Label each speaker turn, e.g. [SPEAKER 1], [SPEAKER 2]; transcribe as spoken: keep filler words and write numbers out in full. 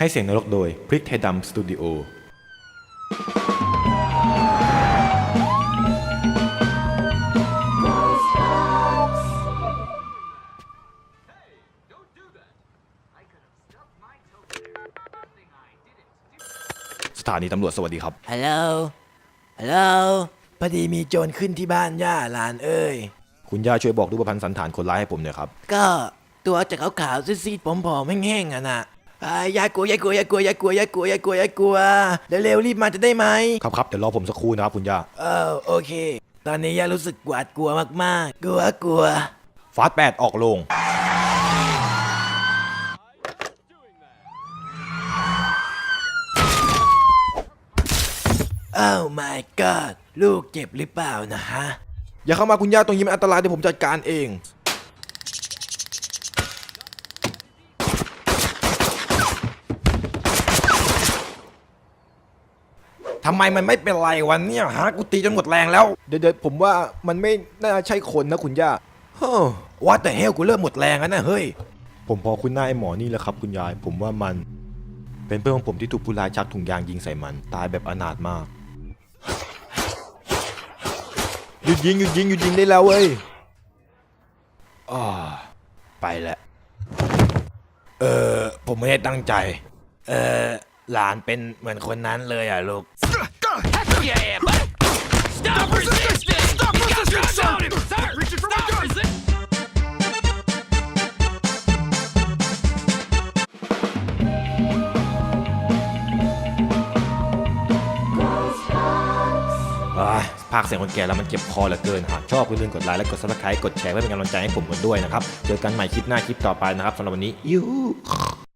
[SPEAKER 1] ให้เสียงนรกโดยพริกไทยดำสตูดิโอสถานีตำรวจสวัสดีครับ
[SPEAKER 2] ฮัลโหล ฮัลโหล พอดีมีโจรขึ้นที่บ้านย่าหลานเอ้ย
[SPEAKER 1] คุณย่าช่วยบอกรูปพรรณสันฐานคนร้ายให้ผมหน่อยครับ
[SPEAKER 2] ก็ตัวจะขาวๆซีดๆผอมๆแห้งๆอ่ะนะอย่ากลัวอย่ากลัวอย่ากลัวอย่ากลัวอย่ากลัวอย่ากลัวอย่ากลัวเร็วๆรีบมาจะได้ไหม
[SPEAKER 1] ครับครับเดี๋ยวรอผมสักครู่นะครับคุณย่า
[SPEAKER 2] เออโอเค ตอนนี้ย่ารู้สึกหวาดกลัวมากๆ กลัวกลัว
[SPEAKER 1] ฟาสแปดออกโรง
[SPEAKER 2] อ้าว my god ลูกเจ็บหรือเปล่านะฮะ
[SPEAKER 1] อย่าเข้ามาคุณย่าตรงนี้มันอันตรายเดี๋ยวผมจัดการเองทำไมมันไม่เป็นไรวันนี้ฮะกูตีจนหมดแรงแล้วเดี๋ยวๆผมว่ามันไม่น่าใช่คนนะคุณย่า
[SPEAKER 2] เฮ้อว่าแต่เฮลกูเริ่มหมดแรงแล้วนะเฮ้ย
[SPEAKER 1] ผมพอคุณหน้าไอ้หมอนี่แหละครับคุณยายผมว่ามันเป็นเพื่อนของผมที่ถูกผู้ร้ายชักถุงยางยิงใส่มันตายแบบอนาถมากหยุดยิงหยุดยิงหยุดยิงได้แล้วเว้ยอ๋อไปแหละ
[SPEAKER 2] เออผมไม่ได้ตั้งใจเออหลานเป็นเหมือนคนนั้นเลยอ่ะลูก
[SPEAKER 1] ภาคเสียงคนแก่แล้วมันเจ็บคอเหลือเกินหากชอบอย่าลืมกดไลค์และกด ซับสไครบ์ กดแชร์เพื่อเป็นกำลังใจให้ผมกันด้วยนะครับเจอกันใหม่คลิปหน้าคลิปต่อไปนะครับสำหรับวันนี้ยู